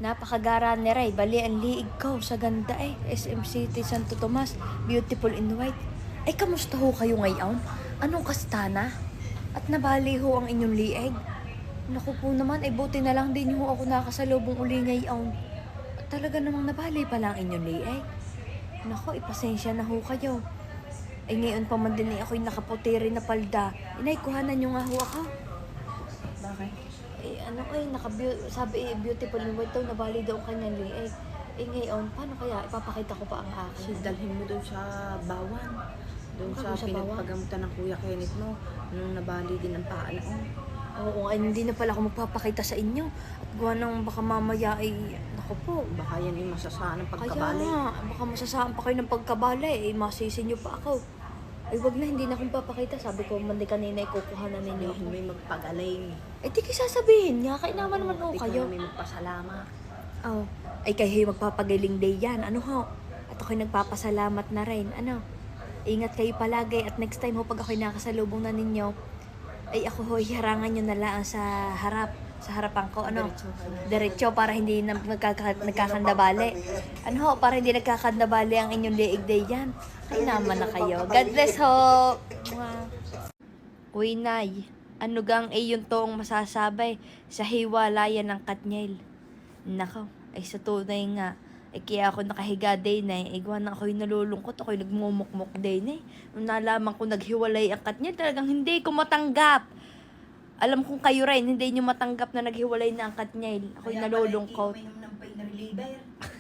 Napakagara ni Ray. Bali ang liig ko sa ganda eh. SM City Santo Tomas. Beautiful in white. Ay, kamusta ho kayo ngayon? Anong kastana? At nabali ho ang inyong liig? Naku po naman, ay buti na lang din ho ako nakasalubong uli ngayon. At talaga namang nabali pa lang inyong liig. Naku, ipasensya na ho kayo. Ay ngayon pa man din ay ako'y nakaputi rin na palda. Inay, kuhanan nyo nga ho ako. Bakit? Eh ano ay, sabi beautiful in white daw, nabali daw ang kanyang liig. Eh ngayon, paano kaya? Ipapakita ko pa ang Kasi akin. dalhin mo doon sa bawan. Doon sa Sa bawan? pinagpagamutan ng Kuya Kenneth mo. Nung nabali din ang paa noon. Oo, ay hindi na pala ako magpapakita sa inyo. At gawa nang baka mamaya ay, naku po. Baka yan yung masasaan ng Kaya pagkabali. nga, baka masasaan pa kayo ng pagkabali. Eh, masisi nyo pa ako. Ay wag na, hindi na akong papakita. Sabi ko, mandi kanina, ikukuha na ninyo Sabihin ako. mo yung magpagaling. Eh, di kayo sasabihin nga. Kainaman naman ho Di kayo. ka namin magpasalamat. Oh, ay kayo magpapagaling day yan. Ano ho? At ako'y nagpapasalamat na rin. Ano? Ingat kayo palagi at next time ho pag ako'y nakasalubong na ninyo, ay ako ho, harangan nyo na lang sa harap. Sa harapan ko, ano? Diretso para hindi na nagkakandabali. Ano ho, para hindi nagkakandabali ang inyong liig day yan. Ay naman na kayo. God bless ho! Uy, Nay. Ano gang yung toong masasabay sa hiwalayan ng Katniel? Nako, ay sa tunay nga. Ay kaya ako nakahiga din eh. Igwa na ako'y nalulungkot. Ako'y nagmumukmuk din eh. Nung nalaman ko naghiwalay ang Katniel, talagang hindi ko matanggap. Alam kong kayo rin, hindi nyo matanggap na naghiwalay na ang Katniel. Ako'y nalulungkot. Kaya pala ng pain reliever.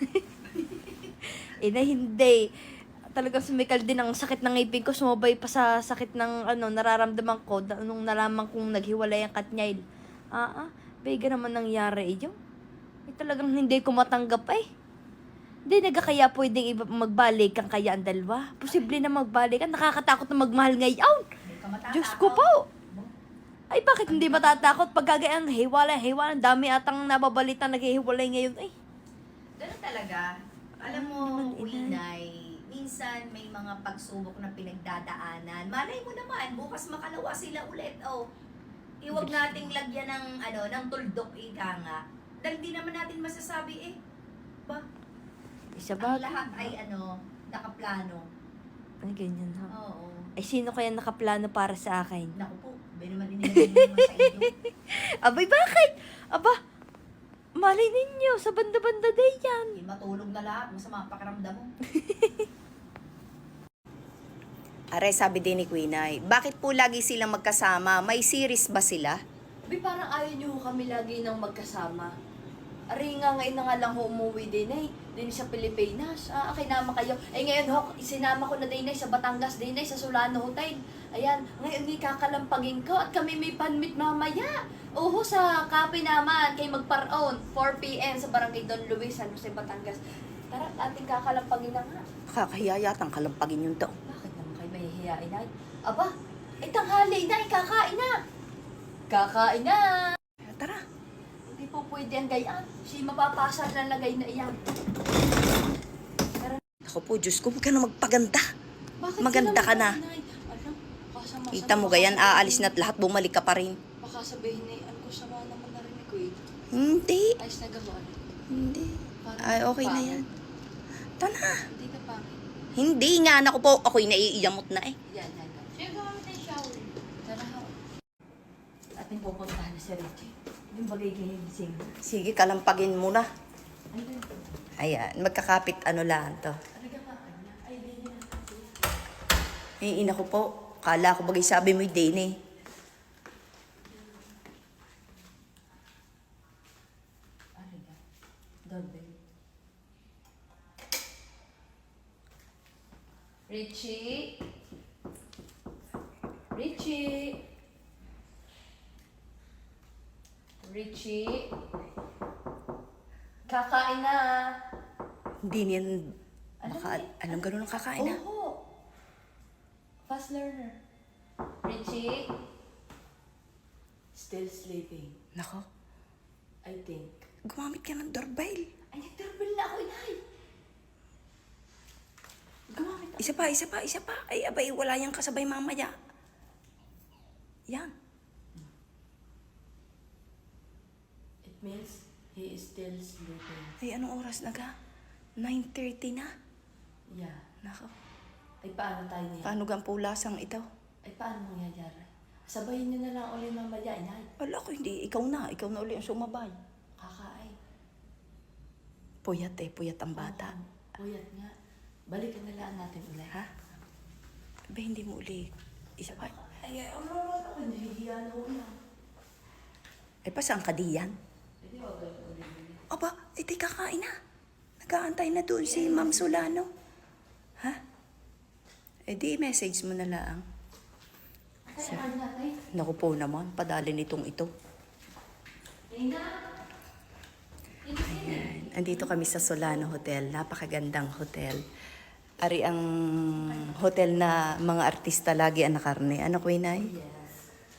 Na hindi. Talagang sumikal din ang sakit ng ngipin ko. Sumabay pa sa sakit ng nararamdaman ko nung nalaman kong naghiwalay ang Katniel. Bega naman nangyari yun. Eh, talagang hindi ko matanggap eh. Hindi kaya pwedeng magbalik ang kaya ang dalawa. Posible na magbalik. Nakakatakot na magmahal ngayon. Diyos ko po. Ay, bakit hindi matatakot? Pagkagayang hiwalay, ang dami atang nababalita naghihiwalay ngayon. Ay, Ganun talaga. Alam mo, Winay, minsan may mga pagsubok na pinagdadaanan. Malay mo naman, bukas makalawa sila ulit. Oh, iwag nating lagyan ng tuldok ika nga. Dahil di naman natin masasabi ba? isa Ang ba? lahat ay nakaplano. Ay, ganyan ha. Oo. Ay, sino kaya nakaplano para sa akin? Naku po, ba naman inilagay naman sa inyo. Abay, bakit? Aba, malay ninyo, sa banda-banda day yan. Di matulog na lahat, masama ang pakiramdam mo. Are, sabi din ni Quinay, bakit po lagi silang magkasama? May series ba sila? Abay, parang ayaw nyo kami lagi nang magkasama. Ari nga ngayon na nga lang ho umuwi din eh. Din sa Pilipinas. Okay naman kayo. Eh ngayon ho, sinama ko na din eh sa Batangas din eh, sa Solano Hotel. Ayan, ngayon ikakalampagin ko at kami may panmit mamaya. Oho, sa kape naman, kay magparoon, 4 p.m. sa Barangay Don Luis, San Jose, Batangas. Tara, ating kakalampagin na nga. Kakahiya yatang kalampagin yung to. Bakit naman kayo mahihiyain ay? Aba, tanghali na, kakain na. Kakain na. Tara. Hindi po pwede ang gayaan. Si mapapasa na lagay na iyan. Ako po, Diyos ko, huwag ka na magpaganda. Bakit Maganda sila ka na. magkainay? Alam, kasama-sama Kita mo gayan, aalis na't lahat bumalik ka pa rin. Baka sabihin na ano ko sama naman narinig ko eh. Hindi. Ayos na gawin. Hindi. Parang Ay, okay na pangit. yan. Tana. Hindi ka pangit. Hindi nga, anak ko po. Ako'y naiiyamot na eh. Yan. Siya gawin na yung shower. Tara ha. Ating pupuntahan na si Richie. Yung bagay gigising. Sige, kalampagin mo na. Andun. Ayan, magkakapit ano lang to. Ano ka pa? Ay, hindi na. Eh, ina ko po. Kala ko bagay sabi mo yung din eh. Ano ka? Doorbell. Richie? Richie? Richie? Kakain na. Hindi niyan, Alam baka, ni- alam ganun ang kakain na. Oo. Fast learner. Richie? Still sleeping, Nako, I think. gumamit ka ng doorbell. Ay, nag-doorbell na ako, inay. Gumamit ako. Isa pa. Ay, abay, wala yang kasabay mamaya. Yan. It means He is still sleeping. Ay, anong oras na ka? 9:30 na. Yeah. Nako. Ay, paano tayo niya? Paano gang pulasang ito? Ay, paano mangyayari? Sabayin niyo na lang ulit mamaya, inay. Wala ko, hindi. Ikaw na uli ang sumabay. Kakain. Puyat ang bata. Puyat nga. Balikan na lang natin ulit. Ha? Ba, hindi mo uli. Isa pa. Ay, ako nahihiya na ulit. Ay, pa saan ka diyan? Hindi, wag kayo ulit. Aba, iti kakain na. Nag-aantay na doon si Ma'am Solano. Ha? Eh di, message mo na lang. Ay, ano natin? Naku po naman, padali nitong ito. Linda! Ayan. Andito kami sa Solano Hotel. Napakagandang hotel. Ari ang hotel na mga artista lagi ang nakarne. Ano, Quinay? Yes.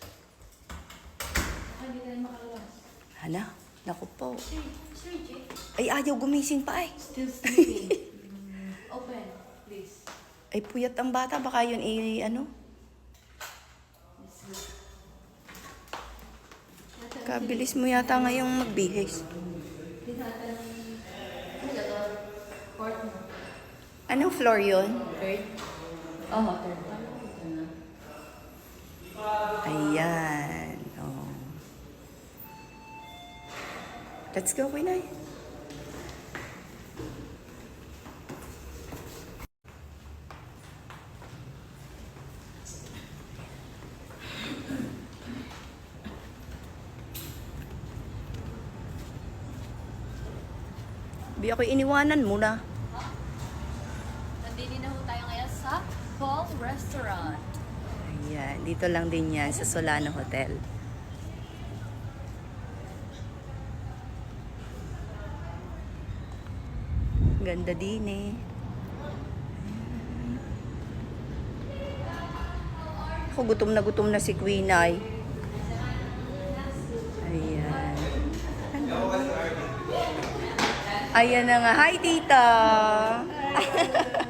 Hindi tayo makalabas. Hala, naku po. Sir J. Ay, ayaw gumising pa eh. Still sleeping. Open, please. Ay, puyat ang bata. Baka yun ano? Kabilis mo yata ngayong magbihis. Fourth mo. Anong floor yun? Third? Oo, third. Ayan. Oh. Let's go, Quinay. Bi ako iniwanan mo na. Nandini na ho tayo ngayon sa Paul Restaurant. Ayan, dito lang din yan sa Solano Hotel. Ganda din eh. Ako, gutom na si Queen Ay. Ayan. Ayan na nga. Hi, tita!